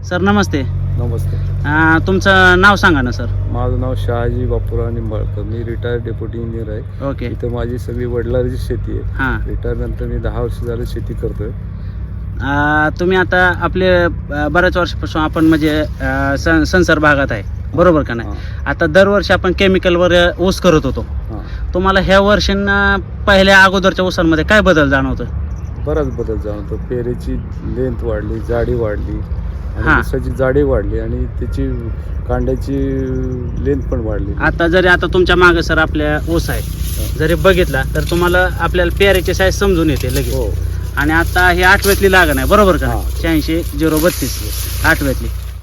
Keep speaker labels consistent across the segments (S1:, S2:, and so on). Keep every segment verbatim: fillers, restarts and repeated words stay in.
S1: Sir नमस्ते.
S2: नमस्ते.
S1: अं, तुमचं नाव सांगा ना सर.
S2: माझं नाव शहाजी बापूराव निंबाळकर. मी रिटायर्ड डेप्युटी इंजिनियर आहे.
S1: ओके.
S2: इथं माझी सगळी वडिलांची शेती आहे.
S1: हां.
S2: रिटायर नंतर मी दहा वर्ष झालं शेती करतोय.
S1: अं, तुम्ही आता आपले अं, बऱ्याच वर्षापासून आपण म्हणजे अं, सं संसार भागात आहे बरोबर का नाही. आता दरवर्षी आपण केमिकलवर ऊस करत होतो.
S2: हां.
S1: तुम्हाला ह्या वर्षांना पहिल्या अगोदरच्या ऊसांमध्ये काय बदल जाणवतो?
S2: बराच बदल जाणवतो. पेरेची लेंथ वाढली, जाडी वाढली
S1: हां.
S2: आणि ऊसाची जाडी वाढली आणि त्याची कांड्याची लेंथ पण वाढली.
S1: आता जरी आता तुमच्या मागे सर आपल्या ऊस आहे जरी बघितला तर तुम्हाला आपल्याला पेरेची साईज समजून येते लगेच.
S2: हो.
S1: आणि आता ही आठव्यातली लागण आहे बरोबर का?
S2: हां.
S1: शहाऐंशी झिरो बत्तीस आठव्यातली.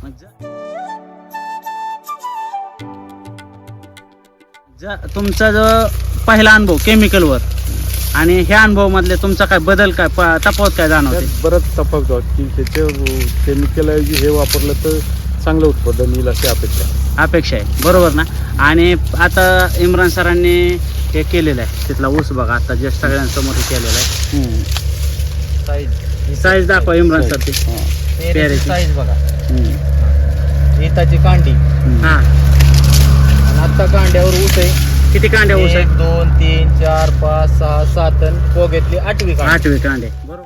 S1: ज- तुमचा जो पहिला अनुभव केमिकलवर आणि ह्या अनुभव मधले तुमचा काय बदल काय प- तफावत काय जाणवते?
S2: त्यात बरंच तफावत आहे की त्याच्या केमिकलऐवजी हे वापरलं तर चांगलं उत्पादन येईल अशी अपेक्षा
S1: अपेक्षा आहे बरोबर ना. आणि आता इम्रान सरांनी हे केलेलं आहे तिथला ऊस बघा आता जस्ट सगळ्यांसमोर हे केलेलं आहे.
S3: साईज
S1: साईज दाखवा इम्रान सर ती.
S2: हां.
S1: पेरेची.
S3: साईज बघा.
S2: हम्म.
S3: इताची कांडी
S1: हा
S3: आणि आता कांड्यावर ऊस आहे.
S1: किती कांड्या ऊस
S3: एक
S1: आहे?
S3: दोन तीन चार पाच सहा सात आणि पोग्यातली आठवी कांडी.
S1: आठवी कांडे बरोबर.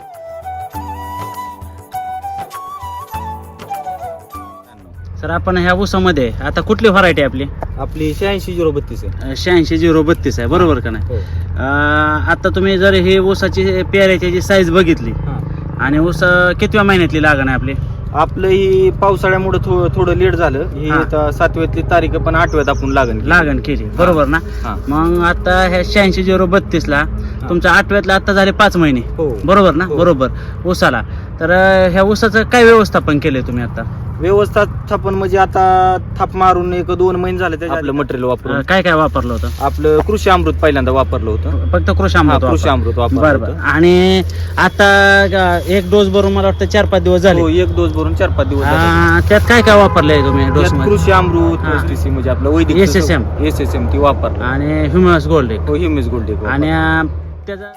S1: सर आपण ह्या ऊसामध्ये आता कुठली व्हरायटी आपली?
S3: आपली शहाऐंशी झिरो बत्तीस आहे.
S1: शहाऐंशी झिरो बत्तीस आहे बरोबर का नाही.
S3: हो.
S1: अं, आता तुम्ही जर ही ऊसाची पेऱ्याची जी साईज बघितली
S3: हां.
S1: आणि ऊस कितव्या महिन्यातली लागण आहे आपली?
S3: आपलं ही पावसाळ्यामुळे थो, थोडं लेट झालं. ही
S1: हां.
S3: आता सातव्यातली तारीख पण आठव्यात आपण लागण केली.
S1: लागण केली बरोबर ना.
S3: हां.
S1: मग आता ह्या शहाऐंशी झिरो बत्तीस ला तुमच्या आठव्यातला आता झाले पाच महिने
S3: हो.
S1: बरोबर ना.
S3: हो.
S1: बरोबर ऊसाला. तर अं, ह्या ऊसाचं काय व्यवस्थापन केलंय तुम्ही आता?
S3: व्यवस्थापन म्हणजे आता थाप मारून एक दोन महिने झाले त्याच्या आपलं मटेरियल
S1: अं,
S3: वापरून.
S1: काय काय वापरलं होतं?
S3: आपलं कृषी अमृत पहिल्यांदा वापरलं होतं.
S1: फक्त कृषी
S3: हा,
S1: अमृत
S3: कृषी
S1: वापरलं.
S3: अमृत वापरलं
S1: बरं बरं.
S3: होतं.
S1: आणि आता अं, एक डोस भरून मला वाटतं चार पाच दिवस झाले.
S3: हो, एक डोस भरून चार पाच दिवस झाले.
S1: अं, त्यात काय काय वापरलंय तुम्ही डोस
S3: त्यात
S1: मध्ये?
S3: कृषी अमृत
S1: हा.
S3: एसटीसी म्हणजे आपलं वैदिक
S1: S S M.
S3: S S M ती वापरलं.
S1: आणि ह्युमस गोल्ड
S3: हो, ह्युमिस गोल्ड एक
S1: आणि
S3: वापरलं.
S1: अं, त्याचा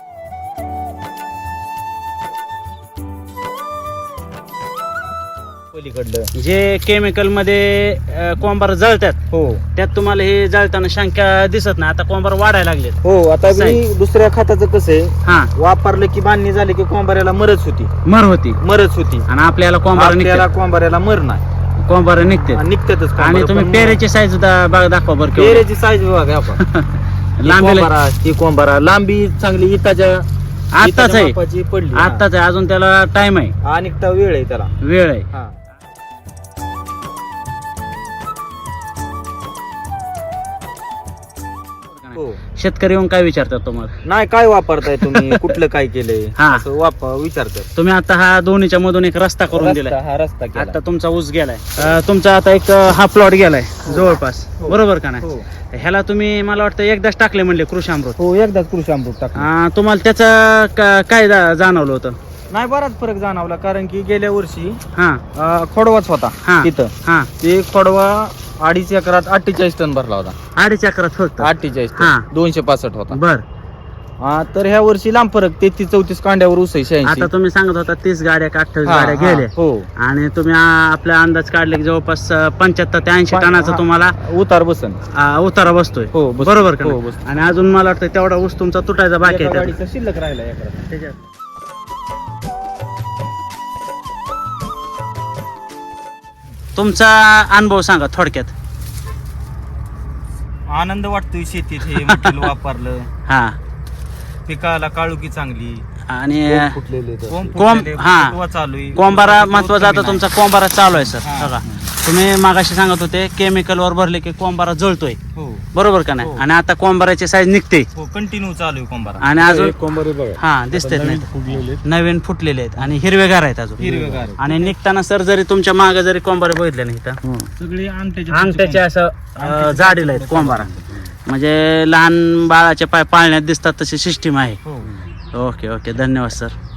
S3: पलीकडलं.
S1: जे केमिकल मध्ये अं, कोंबार जळतात
S3: हो
S1: त्यात तुम्हाला हे जळताना शंका दिसत नाही. आता कोंबार वाढायला लागलेत.
S3: हो आता
S1: असं आहे.
S3: मी दुसऱ्या खताचं कसं आहे,
S1: हा
S3: वापरलं की बांधणी झाली की कोंबाऱ्याला मरच होती
S1: मर होती
S3: मरच होती
S1: आणि आपल्याला कोंबार
S3: आपल्याला कोंबाऱ्याला मर नाही
S1: कोंबार निघते.
S3: आणि निघतातच कोंबारं.
S1: आणि तुम्ही
S3: पण
S1: पेरेची साईज सुद्धा बघा दाखवा बरं केवढी.
S3: पेरेची साईज बघा आपण. ही
S1: लांबीला
S3: कोंबारा ही कोंबारा लांबी चांगली इताच्या
S1: आत्ताच
S3: इताच्या
S1: आहे
S3: मापाची पडली.
S1: आत्ताच आहे अजून त्याला टाइम आहे
S3: हा. आणि एक वेळ आहे त्याला.
S1: वेळ आहे.
S3: हा. हो.
S1: शेतकरी येऊन काय विचारतात तुम्हाला?
S3: नाही काय वापरताय तुम्ही कुठलं काय केलंय
S1: हा.
S3: असं वाप विचारतात.
S1: तुम्ही आता हा दोन्हीच्या मधून एक रस्ता करून दिलाय.
S3: रस्ता- हा रस्ता केला.
S1: आता तुमचा ऊस गेलाय. अं, तुमचा आता एक अं, हा प्लॉट गेलाय जवळपास
S3: हो.
S1: बरोबर का नाही.
S3: हो.
S1: ह्याला तुम्ही मला वाटतं एकदाच टाकले म्हणले कृषी अमृत.
S3: हो एकदाच कृषी अमृत टाकलं.
S1: अं, तुम्हाला त्याचं का- काय जा- जाणवलं होतं?
S3: नाही बराच फरक जाणवला कारण की गेल्या वर्षी
S1: हा
S3: अं, खोडवाच होता
S1: हा.
S3: तिथं.
S1: हा
S3: ते खोडवा अडीच एकरात अठ्ठेचाळीस टन भरला होता.
S1: अडीच अकरात फक्त.
S3: अठ्ठेचाळीस
S1: हा.
S3: टन दोनशे पासष्ट होता.
S1: बर.
S3: हा, तर ह्या वर्षी लांब फरक तेहतीस चौतीस कांड्यावर ऊस आहे शहाऐंशी.
S1: आता तुम्ही सांगत होता तीस गाड्या का अठ्ठावीस
S3: हा,
S1: गाड्या
S3: हा,
S1: गेल्या
S3: हो
S1: आणि तुम्ही आ- आपला अंदाज काढले की जवळपास पंच्याहत्तर ते ऐंशी
S3: पण-
S1: टनाचा
S3: हा.
S1: तुम्हाला
S3: उतार बसन.
S1: आ, उतारा बसतोय
S3: हो बसतो.
S1: बरोबर का
S3: हो
S1: नाही?
S3: बसतो.
S1: आणि अजून मला वाटतं तेवढा ऊस तुमचा तुटायचा बाकी
S3: एका
S1: आहे त्यात.
S3: गाडीचा शिल्लक राहिला एकरात.
S1: त्याच्यात. तुमचा अनुभव सांगा थोडक्यात.
S3: आनंद वाटतोय शेतीत हे मटेरियल वापरलं.
S1: हा
S3: पिकाला काळुकी चांगली.
S1: आणि
S2: कोंब फुटलेले तर.
S3: कोंब
S1: कोंब-
S3: फुटलेले,
S1: हा.
S3: फुटवा चालू आहे.
S1: कोंबारा
S3: ऊसाचा
S1: महत्वाचा
S3: ग्रोथ
S1: आता
S3: कमी
S1: तुमचा कोंबारा चालू आहे सर.
S3: हा.
S1: बघा तुम्ही मागाशी सांगत होते केमिकल वर भरले की कोंबारा जळतोय
S3: नाही. हो
S1: बरोबर का नाही.
S3: हो.
S1: आणि आता कोंबाराची साईज निघते
S3: हो कंटिन्यू चालू आहे कोंबारा.
S1: आणि अजून
S2: एक कोंबारे बघा.
S1: हा दिसतेत
S2: आता
S1: नाही
S2: नवीन फुगलेले.
S1: नवीन फुटलेले आहेत आणि हिरवेगार आहेत अजून.
S3: हिरवेगार आहे.
S1: आणि निघताना सर जरी तुमच्या मागे जरी कोंबारे बघितले नाही तर
S2: हं.
S3: सगळी अंगठ्याच्या
S1: अंगठ्याचे असं अं, जाडीला आहेत कोंबारा. म्हणजे लहान बाळाचे पाय पाळण्यात दिसतात तशी सिस्टीम आहे.
S3: हो
S1: ओके ओके धन्यवाद सर.